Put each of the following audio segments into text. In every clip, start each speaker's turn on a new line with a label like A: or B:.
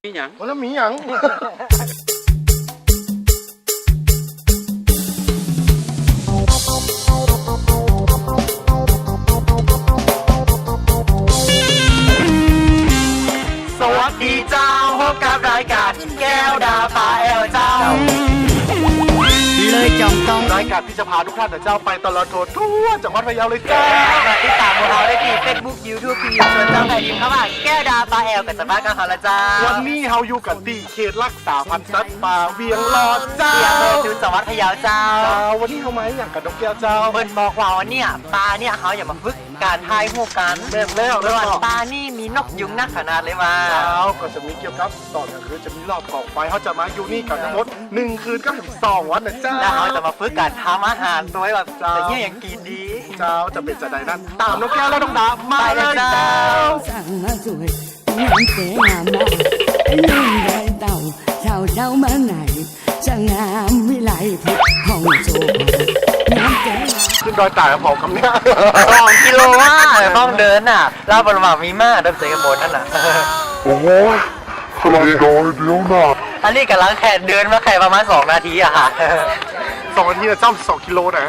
A: มีหยัง
B: แล้วมีหยังสวัสดีเจ้าพบกับรายการแก้วดาปลาแอลเจ้า
C: เลยจองต้อง
B: รายการที่จะพาทุกท่านเจ้าไปตลอดทั่วจังหวัดพะเยาเลยจ้า
C: ติดตามพวกเราได้ที่ Facebook YouTube พิมพ์ชวนเจ้าไทยดิมเข้ามาแก้วดาปลาแอลกับสภาพกันเขาละจ้า
B: วันนี้เฮาอยู่กันที่เขตรักษาพันธุ์สัตว์ป่าเวียงหลอดเจ้า
C: จุดจังหวัดพะเยาเจ้า
B: วันนี้เขามาอย่างกับนกแก้วเจ้า
C: เบิ้ลบอกว่าวันนี้ปลาเนี่ยเขาอย่ามาฝึกการทายหูกัน
B: เริ่มแล้ว
C: ปลานี่มีนกยุงนักขนาดเลยมา
B: เจ้าก็จะมีเกี่ยวกับตอนกลางคืนจะมีรอบกองไฟเขาจะมาอยู่นี่กันทั้งหมด1 คืนก็ถึง2 วันนะเจ้า
C: แล้วเขาจะมาฝึกการทำอาหารตัวแบบจะเยี่ยอย่างกินดี
B: เจ้าจะเป็นจะใดนั้นตามนกแก้วและน้องดามาเลยเจ้า
D: สั่งมาสวยงามเสงามมานุ่งได้เต่าเช้าเช้ามาไหนจะงามวิไลพุทธห้องโจงามเสงาม
B: ขึ้นดอยตายกับผมคำนี้
C: 2 กิโลว่าต้องเดินน่ะเล่าบนว่ามีมากเดินเสกบนนั่นน่ะ
B: โอ้โหขนาดดอยเดียวนะ
C: อันนี้กำลังแข่เดินมาแข่ประมาณ2 นาทีอะค่ะ
B: 2 นาทีนะเจ้า2 กิโลนะ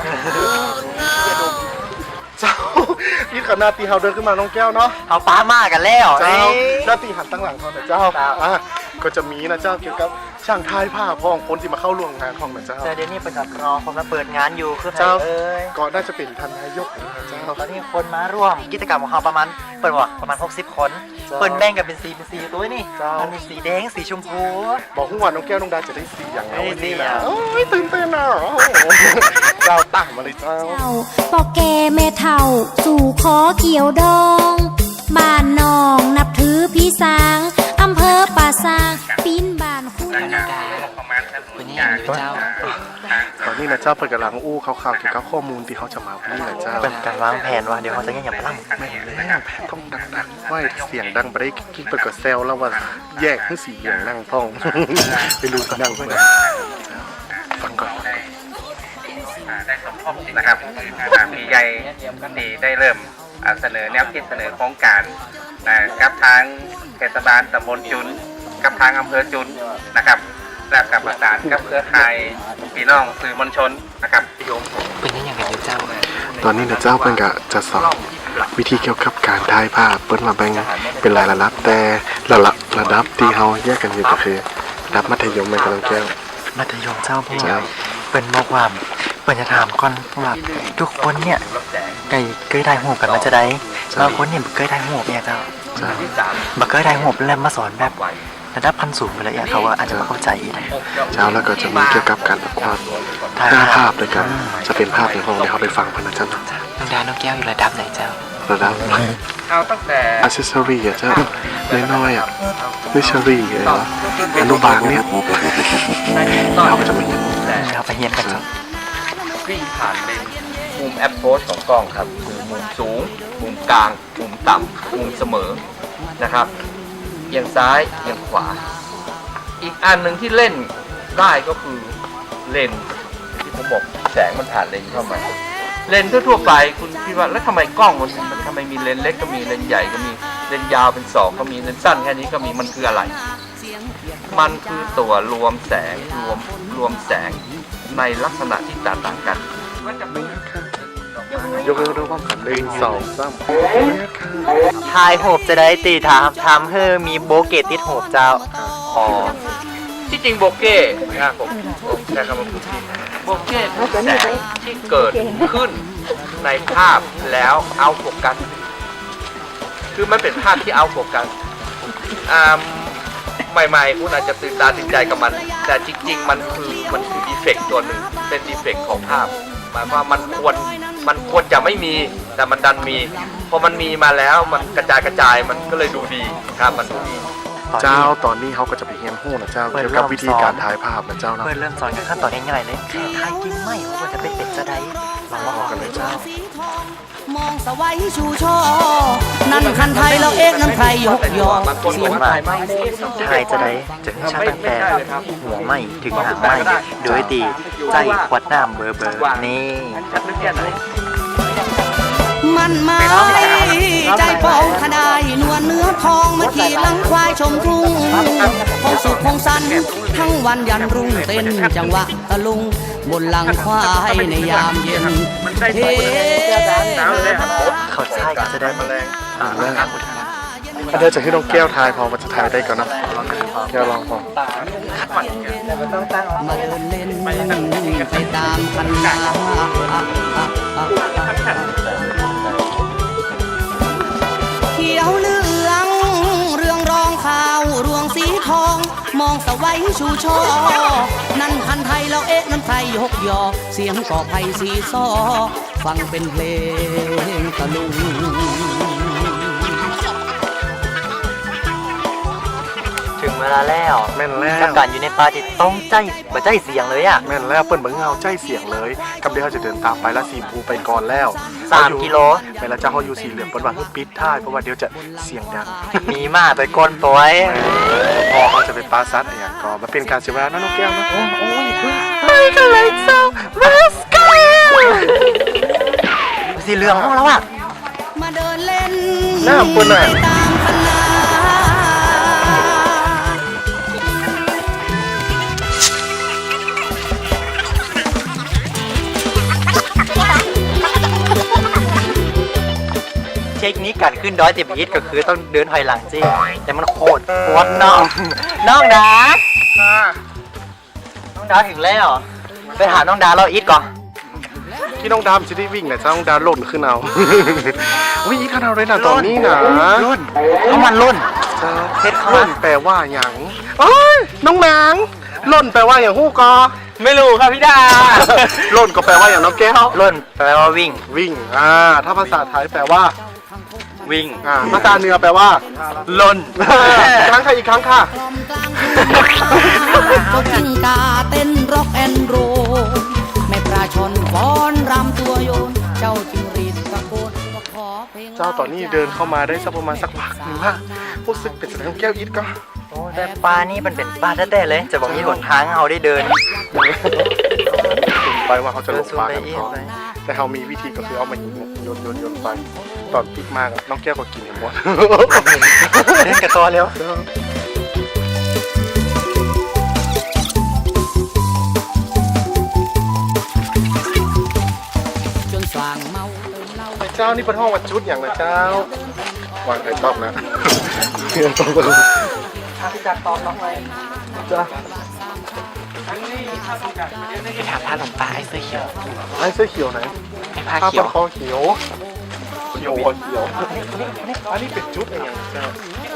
B: เจ้านี่ขนาดตีเฮาเดินขึ้นมาน้องแก้วเนาะ
C: เอาป้ามากันแล้ว
B: เจ้าหน้าตีหันตั้งหลังเขาแต่เจ้าก็จะมีนะเจ้าเกี่ยวกับช่างทายผ้าพ้องคนที่มาเข้าร่วมงานของนะเจ้า
C: เดี๋ยวนี้เป็นกับรอคนมาเปิดงานอยู่คือ
B: เจ้าก็น่าจะเป็นท่านนายกนะเจ้า
C: ตอนนี้คนมาร่วมกิจกรรมของเขาประมาณเปิดว่าประมาณ60 คนเปิดแบ่งกันเป็นสีตัวนี่มันมีสีแดงสีชมพู
B: บอกผู้ว่าน้องแก้วน้องดาจะได้สีอย่างไรนี่นะโอ้ยตื่นเต้นอ่ะเจ้าตั้งมาเลยเจ้า
E: ปอแกแม่เฒ่าสู่ขอเกี่ยวดองบ้านนองนับถือพี่สางอำเภอป่าซางปีนบ้านคู่
C: เป็นยังไงเจ้า
B: ตอนนี้นะเจ้าเปิดกำลังอู้ข่าวเกี่ยวกับข้อมูลที่เขาจะมาวันนี้นะเจ้า
C: เป็นการวางแผนว่าเดี๋ยวเขาจะยังพลัง
B: ไม่แล้วต้องดังๆว่าเสียงดังไปได้กิ๊กเปิดกับเซลแล้วว่าแยกให้สีอย่างนั่งพ้องไปรู้กันนั่งเพื่อนฟังก่อน
F: ได้สมทบนะครับพี่ใหญ่ที่ได้เริ่มเสนอแนวคิดเสนอโครงการกับทางเทศบาลตำบลจุนกับทางอำเภอจุนนะครับและกับประสานกับเครือข่ายพี่น้องสื่อมวลชนนะครับ
C: เป็นยังไงเจ้า
B: ตอนนี้นะเจ้าเพิ่งจะสอนวิธีเกี่ยวกับการถ่ายภาพเปิ้ลมาแบ่งเป็นรายระดับแต่ระดับที่เขาแยกกันอยู่ก็คือระดับมัธยมเป็นกำลังแก้ว
C: มัธยมเจ้าพวกเป็นบอกว่าเปิดจะถามก่อนว่าทุกคนเนี่ยเคยได้หูกันมาจะได้บางคนเนี่ยเคยได้หูเนี่ยเจ้าบางเคยได้หูแล้วมาสอนแบบระดับพันสูงไปเลยเขาว่าอาจจะไม่เข้าใจ
B: เจ้าแล้วก็จะมีเกี่ยวกับการประกวดภาพด้วยกันจะเป็นภาพในห้องที่เขาไปฟังพันนะเจ้า
C: น้องดาน้องแก้วอยู่ระดับไหนเจ้า
B: ระดับ
F: เอาตั้งแต่
B: อัซเซอรี่เจ้าน้อยนิชรี่อนุบาลเนี่ยเราก็จะไม่เห็น
C: เราไปเฮียนกันจ้ะ
F: วิ่งผ่านเป็นมุมแอปโพสของกล้องครับคือมุมสูงมุมกลางมุมต่ำมุมเสมอนะครับเอียงซ้ายเอียงขวาอีกอันหนึ่งที่เล่นได้ก็คือเลนที่ผมบอกแสงมันผ่านเลนเข้ามาเลนทั่วไปคุณคิดว่าแล้วทำไมกล้องมันทำไมมีเลนเล็กก็มีเลนใหญ่ก็มีเลนยาวเป็น2ก็มีเลนสั้นแค่นี้ก็มีมันคืออะไรมันคือตัวรวมแสงรวมแสงในลักษณะที่แตกต่างกัน
B: ยกเลิกด้วยความขันเลย2 3
C: ทายโหบจะได้ตีทำให้มีโบเกตติดโหบเจ้า
F: ที่จริงโบเก้นะครับผมใช้คำว่าโบเก้คือแสงที่เกิดขึ้นในภาพแล้วเอาโฟกัสคือมันเป็นภาพที่เอาโฟกัสใหม่ๆคุณอาจจะตื่นตาตื่นใจกับมันแต่จริงๆมันคือดีเฟกต์ตัวหนึ่งเป็นดีเฟกต์ของภาพหมายว่ามันควรจะไม่มีแต่มันดันมีพอมันมีมาแล้วมันกระจายมันก็เลยดูดีครับมันดูดี
B: เจ้าตอนนี้เขาก็จะไปเรียนรู้นะเจ้าเกี่ยวกับวิธีการถ่ายภาพนะเจ้าเนาะ
C: เริ่มสอนกันขั้นตอนง่ายๆเลยแค่ถ่ายกินไม่ว่าจะเป็นจะได้เรามาออกกันเลยเจ้ามองสวัยชูช่อนั่นคันไทยเราเองนั่นไทยยกยอเสียงถ่ายไม่ถ่ายจะได้จะชาตั้งแต่หัวไม่ถึงหางไม่โดยตีใจขวดน้ำเบอร์นี่
E: มันไม้ใจปองขดายนวลเนื้อทองมาขี่ลังควายชมทุ่ง
C: ทั้งวันยันรุ่งเต้นจังหวะตะลุงบนหลังควายในยามเย็นเฮ้
F: เขาใช่ก็จะได้แมลง
B: เดี๋ยวจะให้น้องแก้วทายพอมันจะทายได้ก่อนนะแก้วลองพอ
C: มาเดินเล่นไปตามคันนาเขียวเหลืองเรื่องรองข้าวรวงสีทองมองสวัยชูช่อนั่นคันไทยแล้วเอ๊ะน้ำไทยยกยอเสียงก่อไผ่สีซ้อฟังเป็นเพลงตะลุง
A: ถึงเวลาแล้ว
B: แม่นแล้ว
A: กับการอยู่ในป่าที่ต้องใจบ่ใจเสียงเลยอ่ะ
B: แม่นแล้วเปิ้นเบิ่งเฮาใจเสียงเลยกับเดี๋ยวเขาจะเดินตามไปละสีภูไปก่อนแล้ว
A: 3 กิโล
B: แม่นแล้วเจ้าเฮาอยู่สีเหลืองเปิ้นว่าให้ปิดท้ายเพราะว่าเดี๋ยวจะเสียงดัง
A: มีมากไปก้นตัวไอ้
B: พอเขาจะไปปาซัดอะไรอย่างก็มาเป็นการเสียเวลานะน้องแก้วนะ
A: ไปกันเลยเจ้ามาสก้าสีเหลืองของเราอ่ะ
C: มาเดินเล่น
B: หน้าเปิ้นน่ะ
C: ไปตามคันนา
A: เทคนิคการขึ้นดอยเต็มฮิตก็คือต้องเดินถอยหลังจริงแต่มันโคตรปวดน้องน้องดาน้องดาถึงแล้วไปหาน้องดาเราอีทก่อน
B: ที่น้องดามจะได้วิ่งเนี่ยเจ้าน้องดาหล่นขึ้นเอา อุ้ยอีขนาดเลยนะตอนนี้นะ
A: รุ่นน้ำมันรุ่น
B: เจ้า
A: เฮ็ดเข้ามา
B: หล่นแปลว่าอย่างโอ้ยน้องนางหล่นแปลว่าอย่างฮู้กอ
A: ไม่รู้ครับพี่ดา
B: หล่นก็แปลว่าอย่างน้องแก้ว
A: รุ่นแปลว่าวิ่ง
B: วิ่งถ้าภาษาไทยแปลว่า
A: วิ่ง
B: ภาษาเหนือแปลว่า
A: ลน
B: ครั้งค่ะอีกครั้งค่ะ
C: กลอมกลางเจ้ากิ้งกาเต้นร็อกแอนโรแม่ปลาชอนฟ้อนรำตัวโยน เจ้าจิงรีดตะโกนก็ขอเพลง
B: เจ้าตอนนี้เดินเข้ามาได้สักประมาณสักพักหนึ่งว่ารู้สึกเป็นสนามแก้วอีทก็
A: โอ้แต่ปลานี่มันเป็นปลาแท้ๆเลย จะบอกมีหนทางให้เราได้เดิน
B: ไปว่าเขาจะลงปลากัน
A: เดิน
B: ก่อน
A: ไป
B: แต่เขามีวิธีก็คือเอามาหินโยนไปตอนปิกมากอะน้องแก้วก็กินให้หมด
A: เดินกับตัวเร็ว
C: จนสว่างเมาเติมเหล้า
B: เจ้านี่เป็นห้องวัดจุดอย่างนะเจ้าวางไข่ต้มนะเพื่อนต้องไป
A: พี่จักรตอบน้องเลย
B: จ้า
A: ไปถามพาหลวงตาไอ้เสื้อเขียว
B: ไอ้เสื้อเขียวไหน
A: ไอ้ผ้า
B: ผ้า
A: เขียว
B: คอเขียวเขียวอันนี้เป็นจุดอย่างเจ้า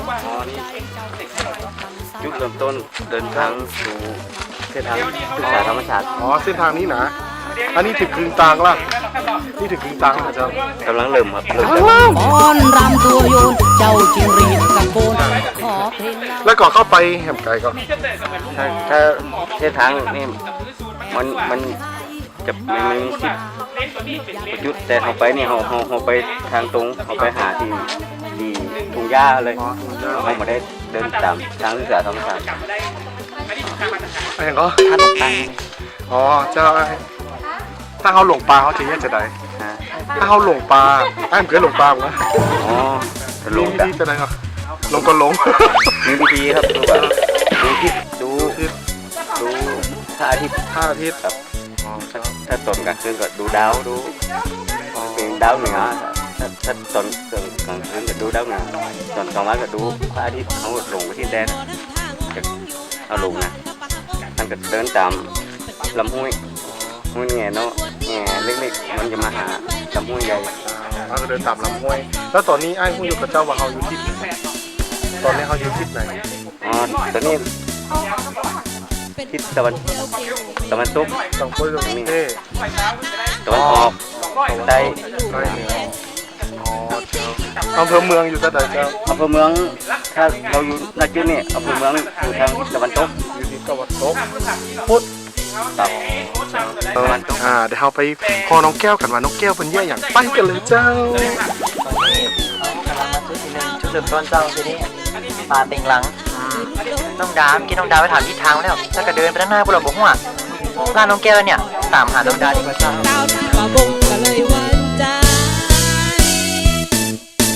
G: จุดเริ่มต้นเดินทางสู่เส้นทางศึกษาธรรมศาสตร์
B: อ๋อเส้นทางนี้นะอันนี้ถึงกึ่งกลางละนี่ถึงกึ่งกลางแล้วเจ้าก
G: ำลังเริ่มครับเริ่ม
C: ฟ้อนรำตัวโยน เจ้าจิงรีดตะโกนขอเพลงเหล้า
B: แล้วก่อนเข้าไปแหมไก่ก็
G: ถ้าเส้นทางนี่มันจะไม่มีสิทธิ์ประยุทธ์แต่เขาไปนี่เขาไปทางตรงเขาไปหาที่ทุ่งหญ้าเลยเขาไม่ได้เดินตามทางศึกษาธรรมศาสตร์
B: อะไรก็
A: ถ้าหลวงตา
B: อ๋อเจ้าถ้าเขาหลงปลาเขาจะแยกจะได้
G: ฮะ
B: ถ้าเขาหลงปลาไอ้เหมือนหลงปลามั้ง
G: อ๋อจะล
B: มี
G: ง
B: วิ
G: กัน
B: ธีจะได้ก็ลงก็ลง
G: มีวิธีครับดูแบบดูทิศดูพระอาทิตย์
B: ท่าอาทิตย์
G: ครับถ้าตอนกลางคืนก็ดูดาวดูเป็นดาวเหนือถ้าตอนกลางคืนก็ดูดาวเหนือตอนกลางวันก็ดูพระอาทิตย์เขาลงไปที่แดนจะเอาลงนะท่านก็เดินตามลำห้วยห้วยแง่เนาะแง่เล็กๆมันจะมาหาลำห้วยใหญ่
B: เราจะเดินตามลำห้วยแล้วตอนนี้ไอ้ผู้อยู่กับเจ้าว่าเขาอยู่ทิศไหนตอนนี้เขาอยู่ทิศไหน
G: อ๋อตอนนี้ทิศตะวันตก
B: ต้องคุยกับนี่
G: ตะวันออกใต้
B: ใต้เหนืออ๋อเจ้าอำเภอเมืองอยู่ที่ไหนเจ้า
G: อำเภอเมืองถ้าเราอยู่ณจุดนี้อำเภอเมืองอยู่ทางตะวันตก
B: อยู่ที่ตะวันตกพุทธ
G: ตับตะวันตก
B: เดี๋ยวเราไปพอน้องแก้วกันว่าน้องแก้วเป็นแย่อย่างไปกันเลยเจ้า
A: ตอนนี้กำลังมาจุดที่หนึ่งจุดเริ่มต้นเจ้าทีนี้ปลาเต็งหลังน้องดามกินน้องดาไปถามทิศทางแล้วถ้าก็เดินไปด้านหน้าพวกเราบอกว่าร้านน้องแก้วเนี่ยตามหาน้องดาดีกว่าเจ้า
D: ดาวที่ป่าบงก็เลยหวันใจ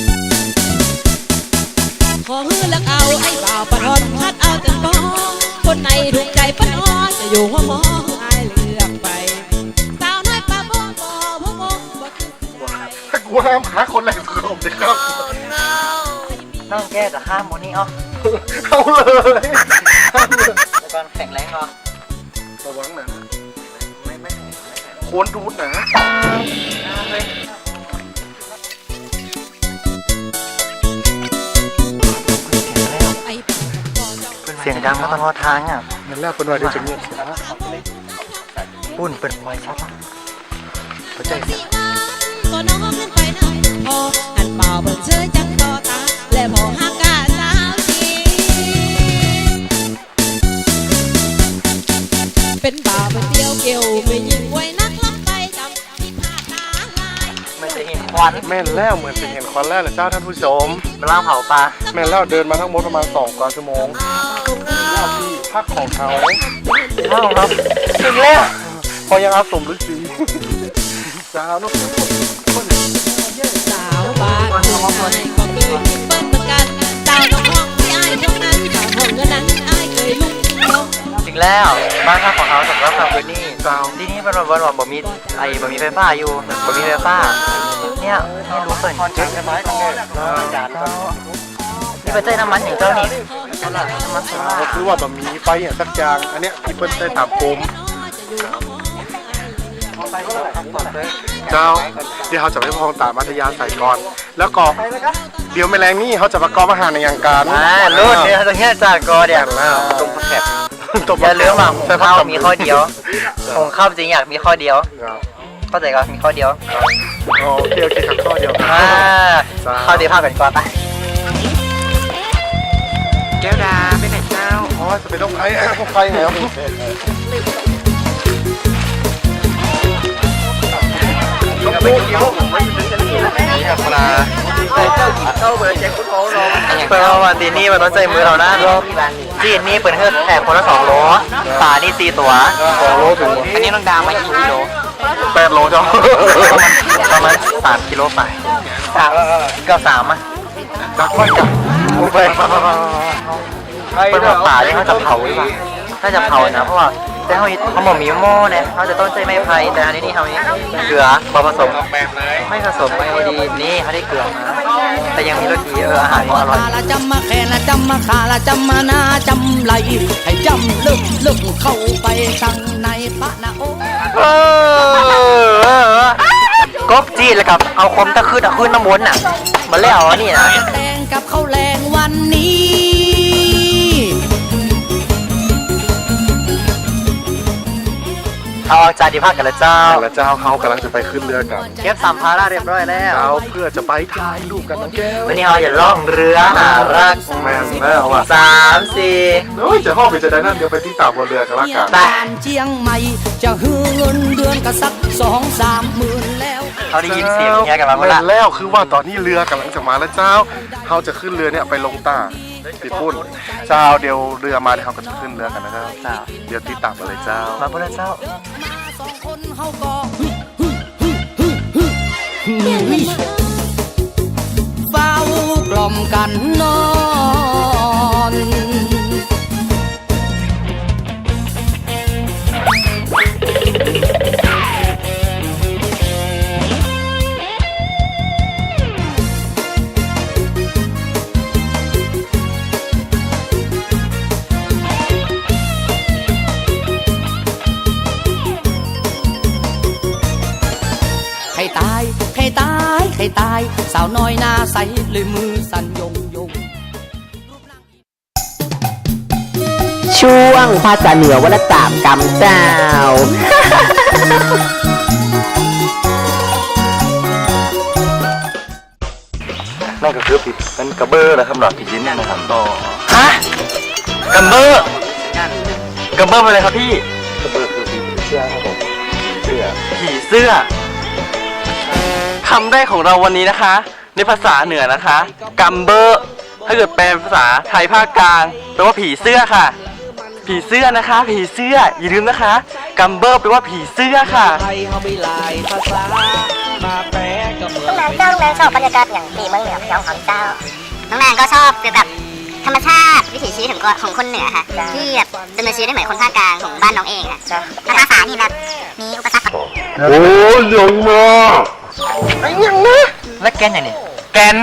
D: ขอฮือลักเอาไอ้บ่าวปะทอนพัดเอาจังปองคน
H: คนไหนถูกใจป้าน้องจะอยู่หัวหมอไอ้เลือกไปสาวน้อยป้าโบบ่พวกโบบ่คือ
B: ถ้ากูห้ามหาคนแรงสงบเลยครับ
A: น้องแก้จะข้ามโมนี่อ๋อ
B: เอาเลย
A: แล้วก็แข็งแรงเหรอ
B: ระวังนะโคนดูดนะ
H: ไอ้
A: เสียงดังมาตลอดทางอ่ะ
B: นั่นแหละเป็นว่าเดี๋ยวจะเงียบเสียง
A: ปุ่นเปิดไฟชัดหัวใจ
H: ก็น้องขึ้นไปนั่งพออันเป่าเบิ่งเชยจังต่อตาและพอหักกาสาวจีเป็นบ่าวเป็นเดียวเกี่ยวไม่ยิงไว้นักลับไปจำที่ผ่านตาลาย
A: ไม่จะเห็นควัน
B: แม่นแล้วเหมือนจะเห็นควันแล้วเหรอเจ้าท่านผู้ชม
A: มาล่างเผาปลา
B: แม่นแล้วเดินมาทั้งหมดประมาณ2 กว่าชั่วโมงแล้วที่พักของเขา
A: ว้าวครับถึงแล้ว
B: พอยังอาสมฤาษีสาวนุ๊ก
H: สาวบ้านคนไหนก็เคยมีเปิ้ลเหมือนกันสาวน้องห้องที่อ้ายพวกนั้นสาวห้องก็นั้นอ้ายเคยลุกเขา
A: ถึงแล้วบ้านข้างของเขาสำหรับทางพื้นนี่
B: สาว
A: ที่นี่เป็นวันบ่มีบ่มีไฟฟ้าอยู่บ่มีไฟฟ้าเนี่ยนี่รู้เปิดเจ๊กไม้ของแกนี่เป็นเจ้น้ำมันอย่างเจ้านี่น้ำมันโซล่า
B: ก็คือว่าแบบมีไฟอย่างสักอย่างอันเนี้ยที่เปิ้ลได้ถามผมเจ้าเดี๋ยวเขาจะไปพองตามมัธยาใส่ก่อน แล้วก็เดี๋ยวแมลงนี่เขาจะประกอบอาหารในอย่างการ
A: รุ่นเนี่ยตรงนี้จากกอเดีย
B: แล้วตรงแคบ
A: อย่าลืมว่าของข้าวมีข้อเดียวของข้าวจริงอยากมีข้อเดียวเข้าใจก็มีข้อเดียว
B: โอเคครับข้อเดียว
A: ข้าวเดียวข้าวกันก่อนไป
B: แก้วดาไปไหนเจ้าอ๋อจะไปต้องไฟต้องไฟแล้วปลา
A: เปิดวันตีนี่มันต้องใจมือเรานะจีนนี่เปิดเฮือกแถบคนละ2 โลปลานี่4 ตัว
B: 2 โลถึง
A: อันนี้น้องดาวมากี่กิโล
B: 8 โลเจ้า
A: ประมาณ3 กิโลไปเกือบ3อ่ะ
B: จากค่อยกับไป
A: เป็นหัวป่าที่เขาจะเผาหรือเปล่าถ้าจะเผานะเพราะว่าแต่เขาบอกมีหม้อเนี่ยเขาจะต้นใจไม้ไผ่แต่อันนี้เขานี้เกลือผสมไม่ผสมไอโอดีนนี่เขาได้เกลือมาแต่ยังมีรสดีอาหารอร่อย
C: ละจำมาแค่ละจำมาขาละจำมานาจำไหลให้จำลึกเข้าไปตั้งในปะนะโอ้
A: กบจีนแล้วกับเอาคมตะขึ้นน้ำวนน่ะมาแล้วนี่นะ
C: แดงกับข้าวแรงวันนี้
A: เอาจานที่พักกันแล้วเจ้า
B: แล้วเจ้าเขากำลังจะไปขึ้นเรือกัน
A: เก็บสัมภาระเรียบร้อยแล้ว
B: เจ้าเพื่อจะไปถ่ายรูปกันน้องแก้ว
A: วันนี้เราจะล่องเรือหารัก
B: แม่นแล้วอ่ะ
A: 3 4
B: โอ้ยจะห้องไปจะได้นั่นเดี๋ยวไปที่ตาบนเรือกันละกัน
C: บ้านเชียงใหม่จะฮือเงินเดือนก็สัก2-3 หมื่นแล้ว
A: เขาได้ยินเสียงเงี้ยกันมาเมื่อไหร่
B: แล้วคือว่าตอนนี้เรือกำลังจะมาแล้วเจ้าเขาจะขึ้นเรือเนี่ยไปลงตาติดปุ่นเจ้าเดี๋ยวเรือมาเดี๋ยวเขาก็จะขึ้นเรือกันนะเจ้าเดี๋ยวติดตามมาเลยเจ้า
A: มาพูดแล้วเจ้า
C: มา2 คนเฮาก็เฝ้ากล่อมกันนอน ใครตาย ใครตาย ใครตาย สาวน้อยหน้าใสเลยมือสั่นยง
I: ช่วงภาษาเหนือวันละ3 กำเจ้า
A: นั่นก็คือเป็นกระเบอร์แหละครับหลอดผีชิ้นเนี่ยนะครับต่อฮะกระเบอร์กระเบอร์เป็นอะไรครับพี่
B: กระเบิดคือผีเสื้อครับผมเสื้อ
A: ผีเสื้อ
J: คำได้ของเราวันนี้นะคะ ในภาษาเหนือนะคะกัมเบอร์ถ้าเกิดแปลเป็นภาษาไทยภาคกลางแปลว่าผีเสื้อค่ะ ผีเสื้อนะคะ ผีเสื้ออย่าลืมนะคะกัมเบอร์แปลว่าผีเสื้อค่ะ
C: ไทยเฮามีหลายภาษามาแปลก็เหมือน
K: น้องแนนชอบบรรยากาศอย่างที่เมืองเหนือของเจ้าน้องแนนก็ชอบคือแบบธรรมชาติวิถีชีวิตของคนเหนือค่ะที่แบบดำเนินชีวิตได้เหมือนคนภาคกลางของบ้านน้องเองค่ะแต่ภาษานี่แบบมีอุปสรรค
B: โอ้ยยงมากไอ้ยังนะ
A: และแกนอย่างนี้
J: แกน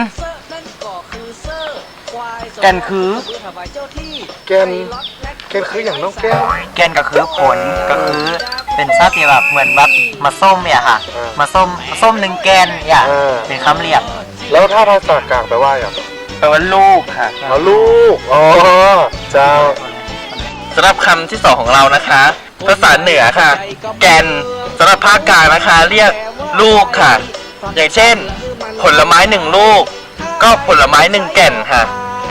J: คือ
B: แกนคืออย่างน้องแก้ว
A: แกนก็คือผลก็คือเป็นชาติแบบเหมือนแบบมาส้มเนี่ยค่ะ มาส้มหนึ่งแกนเนี่ย เป็นคำเรียก
B: แล้วถ้าภาษากลางแปลว่าอย่าง
J: แปลว่าลูกค่ะ
B: อ๋อลูกอ๋อเจ้า
J: สำหรับคำที่สองของเรานะคะ ภาษาเหนือค่ะ แกนสำหรับภาคกลางนะคะ เรียกลูกค่ะ อย่างเช่น ผลไม้หนึ่งลูก ก็ผลไม้หนึ่งแก่นค่ะ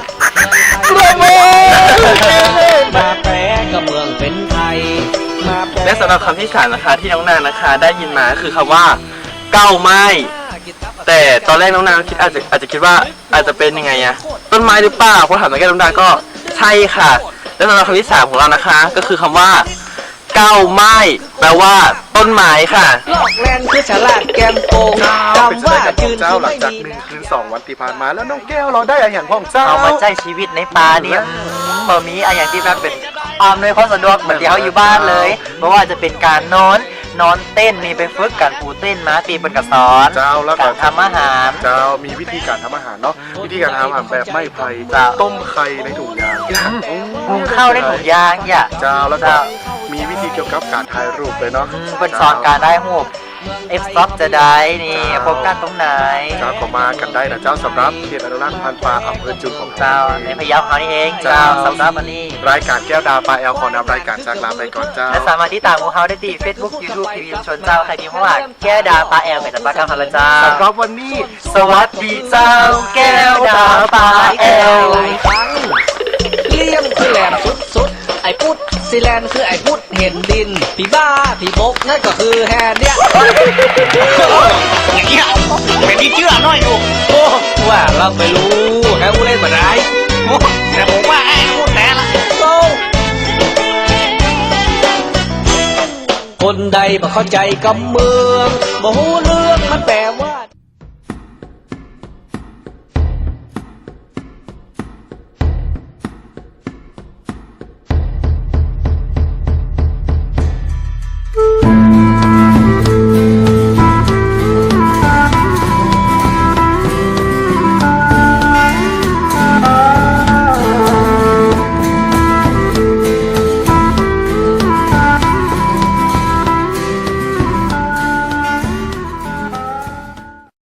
C: มาแปรกับเมืองเป็นไทยมาแปร
J: และสำหรับคำที่สามนะคะ ที่น้องนางนะคะ ได้ยินมาคือคำว่าเก้าไม้ แต่ตอนแรกน้องนางคิดอาจจะคิดว่าอาจจะเป็นยังไงอะต้นไม้หรือเปล่าพอถามน้องแก้วน้องนางก็ใช่ค่ะ และสำหรับคำที่สามของเรานะคะ ก็คือคำว่าเก้าไม้แปลว่าต้นไม้ค่ะ
C: ลอกแลนคือฉลาดแกมโกง
B: เป็น
C: คำว่า
B: กับ
C: จืน
B: เจ้า
C: คือ
B: หลัง
C: ไม่
B: จาก
C: ดี
B: 1 คืน 2 วันที่ผ่านมาแล้วน้องแก้วเราได้อะไรอย่างของเจ้า
A: เอามาใช้ชีวิตในป่าเนี่ยบ่มีอะไรอย่างที่แบบเป็นอำนวยความสะดวกเหมือนที่เขาอยู่บ้านเลย เพราะว่าจะเป็นการนอนเต้นมีไปฝึกการปูเต้นม้าตีเป็นกระสอน
B: เจ้าแล้วก็
A: การทำอาหาร
B: เจ้ามีวิธีการทำอาหารเนาะวิธีการทำอาหารแบบไม่ไผ่
A: เจ้า
B: ต้มไข่ในถุงยาง
A: หุงข้าวในถุงยางอย่า
B: เจ้าแล้วก็มีวิธีเกี่ยวกับการถ่ายรูปเลยเนาะ
A: เป็นสอนการได้หูเอฟซ็อปจะได้นี่พบกันตรงไหน
B: เจ้าก็มากันได้นะเจ้าสำหรับเขตอนุรักษ์พันธุ์ปลาอำเภอจุนของ
A: เจ้าในพะเยาเขานี่เองเจ้าสำหรับวันนี้
B: รายการแก้วดาวปลาแอลขอนำรายการจากลาไปก่อนเจ้า
A: และสามารถที่ตามพวกเขาได้ที่ Facebook YouTube ทีวีชนเจ้าใครพิมพ์ว่าแก้วดาปลาแอลเป็นปลากระพงเจ้า
B: สำหรับวันนี้
A: สวัสดีเจ้าแก้วดาปลาแอล
C: หลายครั้งเลี่ยมคือแหลมสุดไอ้พุทธซีแลนคือไอ้พุทธเห็นดินพี่บ้าพี่บกนั่นก็คือแฮนเนี่ยอย่างเงี้ยเป็นที่เชื่อน้อยดูโอ้ว่าเราไม่รู้แฮวเล่นมาได้แต่ผมว่าไอ้พูดแน่ละโตคนใดบ่เข้าใจกับเมืองบ่รู้เรื่องมันแปลว่า